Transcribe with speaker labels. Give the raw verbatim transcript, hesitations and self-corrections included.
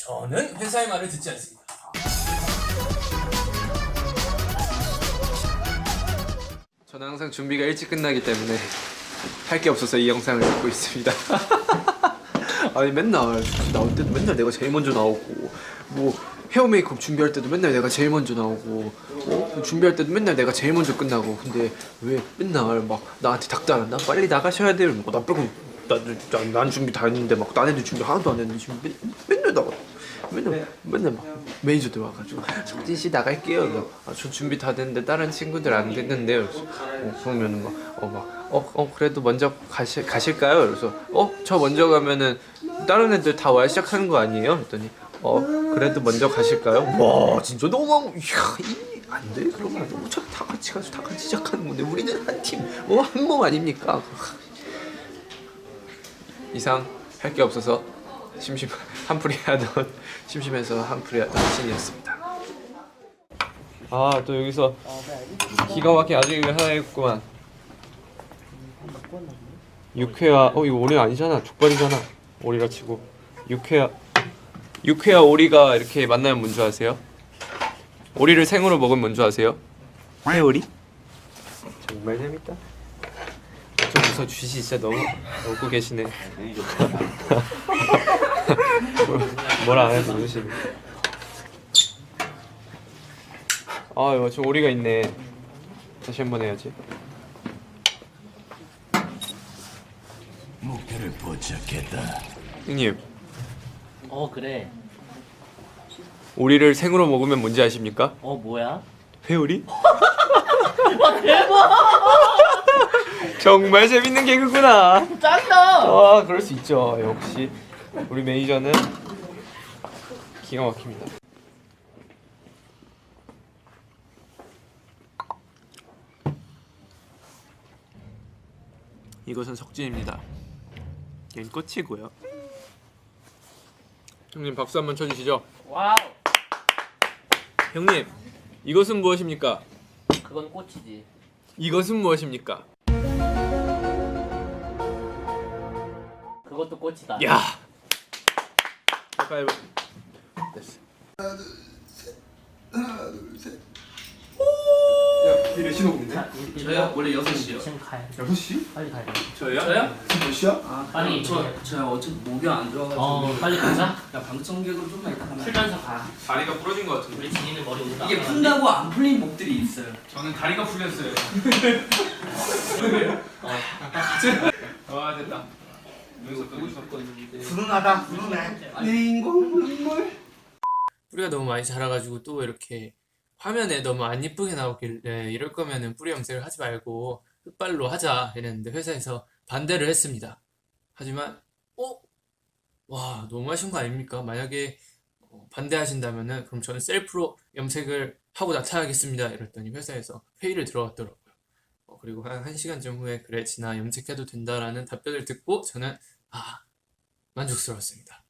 Speaker 1: 저는 회사의 말을 듣지 않습니다.
Speaker 2: 저는 항상 준비가 일찍 끝나기 때문에 할 게 없어서 이 영상을 찍고 있습니다. 아니 맨날 나올 때도 맨날 내가 제일 먼저 나오고, 뭐 헤어 메이크업 준비할 때도 맨날 내가 제일 먼저 나오고, 어? 준비할 때도 맨날 내가 제일 먼저 끝나고. 근데 왜 맨날 막 나한테 닥달한다? 빨리 나가셔야 돼요. 뭐, 나 빼고 난, 난, 난 준비 다 했는데 막 딴 애들 준비 하나도 안 했는데 지금 맨, 맨날 나가. 맨날 맨날 막 매니저들 와가지고 석진 씨 나갈게요. 그래서 아, 저 준비 다 됐는데 다른 친구들 안 됐는데요. 그래서 어, 그러면은 막어막어 어, 그래도 먼저 가시 가실까요? 그래서 어 저 먼저 가면은 다른 애들 다 와야 시작하는 거 아니에요? 그랬더니 어 그래도 먼저 가실까요? 와 진짜 너무 이야 안돼 그러면 너무 다 같이 가서 다 같이 시작하는 건데 우리는 한 팀 어 한 몸 아닙니까? 이상 할 게 없어서 심심 한풀이 하던 심심해서 한풀이 하던 신이었습니다. 아 또 여기서 기가 막힌 아재개그 하나 있구만. 육회와 어 이거 오리 아니잖아, 족발이잖아. 오리라 치고 육회와 육회와 오리가 이렇게 만나면 뭔지 아세요? 오리를 생으로 먹으면 뭔지 아세요? 회오리? 정말 재밌다. 좀 웃어주시. 진짜 너무 웃고 계시네. 뭐라 안 해도 웃으시네. 아 이거 저 오리가 있네. 다시 한번 해야지.
Speaker 3: 목표를 포착했다.
Speaker 2: 형님,
Speaker 4: 어 그래.
Speaker 2: 오리를 생으로 먹으면 뭔지 아십니까?
Speaker 4: 어 뭐야?
Speaker 2: 회오리?
Speaker 4: 와 대박!
Speaker 2: 정말 재밌는 개그구나.
Speaker 4: 짱이다.
Speaker 2: 아 그럴 수 있죠. 역시 우리 매니저는 기가 막힙니다. 이것은 석진입니다. 얘는 꽃이고요. 형님 박수 한번 쳐주시죠.
Speaker 4: 와우.
Speaker 2: 형님 이것은 무엇입니까?
Speaker 4: 그건 꽃이지.
Speaker 2: 이것은 무엇입니까?
Speaker 4: 그것도 꽃이다.
Speaker 2: 야. 가위바위보. 됐어. 야, 길에 신호군데?
Speaker 1: 저요? 원래 여섯 시요.
Speaker 4: 지금 가야 돼.
Speaker 2: 여섯 시?
Speaker 4: 빨리 가야 돼.
Speaker 1: 저요? 저요?
Speaker 2: 몇 시야?
Speaker 1: 아,
Speaker 4: 빨리
Speaker 1: 저, 저 어차피 목이 안 좋아가지고.
Speaker 4: 어 빨리 가자.
Speaker 1: 야, 방청객으로 좀만 이따 가면.
Speaker 4: 풀면서 가.
Speaker 2: 다리가 부러진 것 같은데.
Speaker 4: 우리 진이는 머리 오다.
Speaker 1: 이게 푼다고 안 풀린 목들이 있어요.
Speaker 2: 저는 다리가 풀렸어요.
Speaker 4: 어.
Speaker 2: 아 됐다. 여기서 끄고 싶었는데.
Speaker 1: 불운하다, 불운해. 내 인공 눈물.
Speaker 5: 뿌리가 너무 많이 자라가지고 또 이렇게 화면에 너무 안 이쁘게 나오길래 이럴 거면은 뿌리 염색을 하지 말고 흑발로 하자 이랬는데 회사에서 반대를 했습니다. 하지만 어? 와 너무 하신 거 아닙니까? 만약에 어, 반대하신다면은 그럼 저는 셀프로 염색을 하고 나타나겠습니다 이랬더니 회사에서 회의를 들어갔더라고요. 어, 그리고 한 1시간쯤 후에 그래 진아 염색해도 된다라는 답변을 듣고 저는 아 만족스러웠습니다.